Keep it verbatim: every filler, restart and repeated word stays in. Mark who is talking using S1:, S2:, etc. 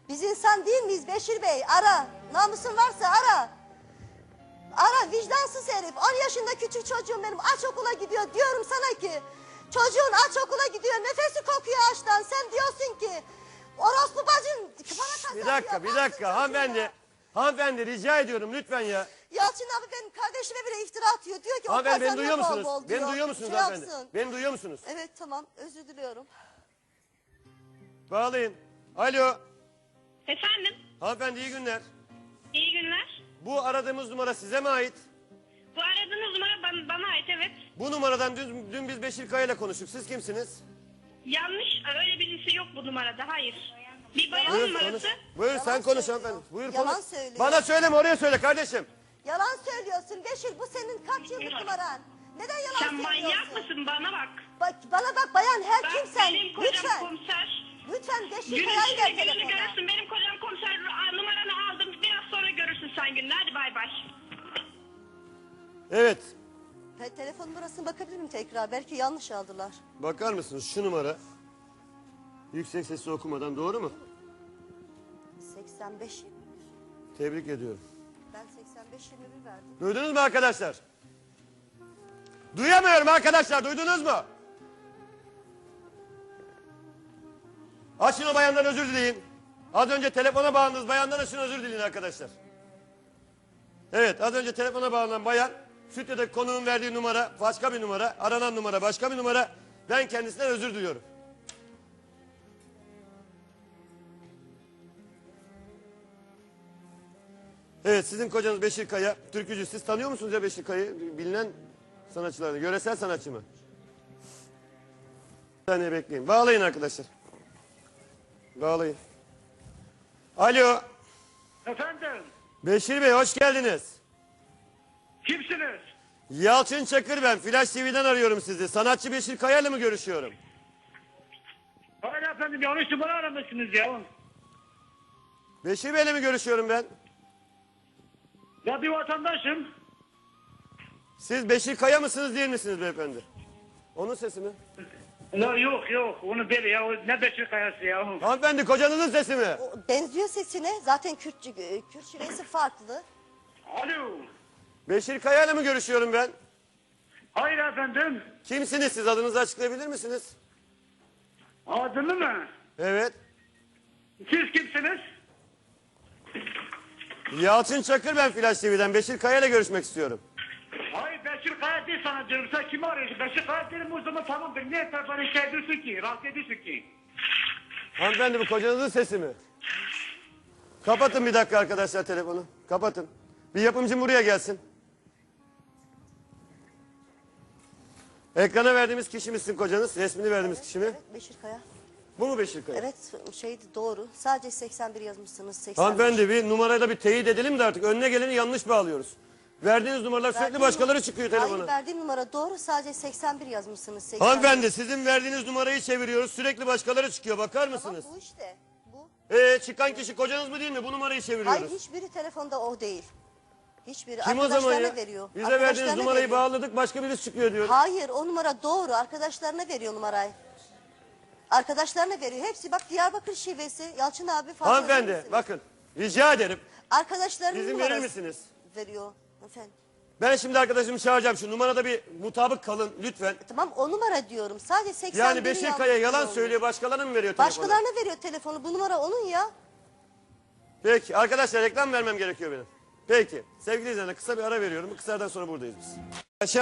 S1: Biz insan değil miyiz Beşir Bey? Ara. Namusun varsa ara. Ara vicdansız herif. on yaşında küçük çocuğum benim aç okula gidiyor. Diyorum sana ki çocuğun aç okula gidiyor. Nefesi kokuyor açtan. Sen diyorsun ki orospu bacın bana
S2: Bir dakika, bir dakika hanımefendi. Hanımefendi rica ediyorum lütfen ya.
S1: Yalçın abi benim kardeşime bile iftira atıyor. Diyor ki o
S2: Hanımefendi beni
S1: kazanıyor
S2: duyuyor
S1: bol
S2: musunuz?
S1: bol diyor.
S2: Beni duyuyor musunuz
S1: Şey
S2: hanımefendi?
S1: yapsın.
S2: Beni duyuyor musunuz?
S1: Evet tamam özür diliyorum.
S2: Bağlayın. Alo.
S3: Efendim,
S2: Hanımefendi iyi günler.
S3: iyi günler.
S2: Bu aradığımız numara size mi ait?
S3: Bu aradığınız numara bana, bana ait, evet.
S2: Bu numaradan dün, dün biz Beşir Kaya ile konuştuk. Siz kimsiniz?
S3: Yanlış, öyle birisi yok bu numarada, hayır. Bir bayan
S2: Buyur
S3: numarası.
S2: konuş. Buyur
S1: Yalan
S2: sen konuş
S1: söylüyor.
S2: hanımefendi. Buyur
S1: Yalan
S2: konuş.
S1: söylüyor.
S2: Bana söyleme oraya söyle kardeşim.
S1: Yalan söylüyorsun Beşir bu senin kaç yıllık numaran? Neden yalan
S3: Sen
S1: söylüyorsun?
S3: manyak mısın, bana bak.
S1: Bak, bana bak bayan her
S3: Bak,
S1: kimsen
S3: benim kocam
S1: lütfen.
S3: komiser.
S1: Lütfen Beşir
S3: Gün
S1: Kaya'yı
S3: içinde
S1: ver
S3: gününü
S1: telefona.
S3: görürsün, benim kocam komiser. Aa, numaranı aldım, biraz sonra görürsün sen gününü. Hadi bay bay.
S2: Evet.
S1: Te telefon numarasına bakabilir miyim tekrar? Belki yanlış aldılar.
S2: Bakar mısınız şu numara? Yüksek sesle okumadan doğru mu?
S1: seksen beş
S2: Tebrik ediyorum.
S1: Ben seksen beş yirmi bir verdim.
S2: Duydunuz mu arkadaşlar? Duyamıyorum arkadaşlar, duydunuz mu? Açın o bayandan özür dileyin. Az önce telefona bağlandınız bayandan açın özür dileyin arkadaşlar. Evet, az önce telefona bağlanan bayan, stüdyodaki konuğun verdiği numara başka bir numara, aranan numara başka bir numara. Ben kendisinden özür diliyorum. Evet, sizin kocanız Beşir Kaya, türkücü. Siz tanıyor musunuz ya Beşir Kaya'yı? Bilinen sanatçılardan, yöresel sanatçı mı? Bir saniye bekleyin. Bağlayın arkadaşlar. Bağlayın. Alo.
S4: Efendim,
S2: Beşir Bey hoş geldiniz.
S4: kimsiniz?
S2: Yalçın Çakır ben. Flash T V'den arıyorum sizi. Sanatçı Beşir Kaya ile mi görüşüyorum?
S4: Hayır efendim, yanlış numara aramışsınız ya.
S2: Beşir Bey'le mi görüşüyorum ben?
S4: Ya bir vatandaşım.
S2: Siz Beşir Kaya mısınız değil misiniz beyefendi? Onun sesi mi?
S4: Ya yok yok, onu bil ya, o ne Beşir Kayası ya.
S2: Hanımefendi kocanızın sesi mi?
S1: O benziyor sesine. Zaten Kürt, Kürt şivesi farklı.
S4: Alo.
S2: Beşir Kaya ile mi görüşüyorum ben?
S4: Hayır efendim,
S2: Kimsiniz siz? Adınızı açıklayabilir misiniz?
S4: adını mı?
S2: Evet.
S4: Siz kimsiniz?
S2: Yalçın Çakır ben Flash T V'den. Beşir Kaya ile görüşmek istiyorum.
S4: Hayır Beşir Kaya değil sana diyorum, sen kimi arıyorsun? Beşir Kaya derim o zaman tamamdır. Niye sen bana şey ediyorsun ki, rahatsız ediyorsun ki?
S2: Hanımefendi bu kocanızın sesi mi? Kapatın bir dakika arkadaşlar telefonu. Kapatın. Bir yapımcım buraya gelsin. Ekrana verdiğimiz kişi misin kocanız? Resmini verdiğimiz kişi mi?
S1: Evet Beşir Kaya.
S2: Bu mu Beşir Kaya?
S1: Evet şeydi doğru. Sadece seksen bir yazmışsınız. seksen beş.
S2: Hanımefendi bir numarayla bir teyit edelim de artık önüne geleni yanlış bağlıyoruz. Verdiğiniz numaralar sürekli
S1: Verdiğim
S2: başkaları
S1: nu-
S2: çıkıyor telefona.
S1: Hayır verdiğim numara doğru. Sadece seksen bir yazmışsınız. seksen bir.
S2: Hanımefendi sizin verdiğiniz numarayı çeviriyoruz sürekli başkaları çıkıyor bakar
S1: Tamam
S2: mısınız?
S1: bu işte. Bu.
S2: Ee, çıkan kişi kocanız mı değil mi? Bu numarayı çeviriyoruz.
S1: Hayır hiçbiri telefonda o değil. Hiçbiri.
S2: Kim o zaman
S1: Arkadaşlarına
S2: ya?
S1: veriyor.
S2: Bize verdiğiniz
S1: Arkadaşlarına
S2: numarayı
S1: veriyor.
S2: bağladık başka birisi çıkıyor diyor.
S1: Hayır o numara doğru. Arkadaşlarına veriyor numarayı. Arkadaşlarına veriyor. Hepsi bak Diyarbakır şivesi. Yalçın abi fazla verir
S2: Hanımefendi
S1: misiniz?
S2: bakın rica ederim.
S1: Arkadaşlarının
S2: İzin
S1: numarası
S2: verir misiniz?
S1: veriyor. Efendim.
S2: Ben şimdi arkadaşımı çağıracağım. Şu numarada bir mutabık kalın lütfen.
S1: Tamam o numara diyorum. Sadece seksen
S2: Yani Beşir Kaya yalan söylüyor başkalarına mı veriyor telefonu?
S1: Başkalarına veriyor telefonu. Bu numara onun ya.
S2: Peki arkadaşlar reklam vermem gerekiyor benim. Peki sevgili izleyenler kısa bir ara veriyorum. Bu kısa aradan sonra buradayız biz.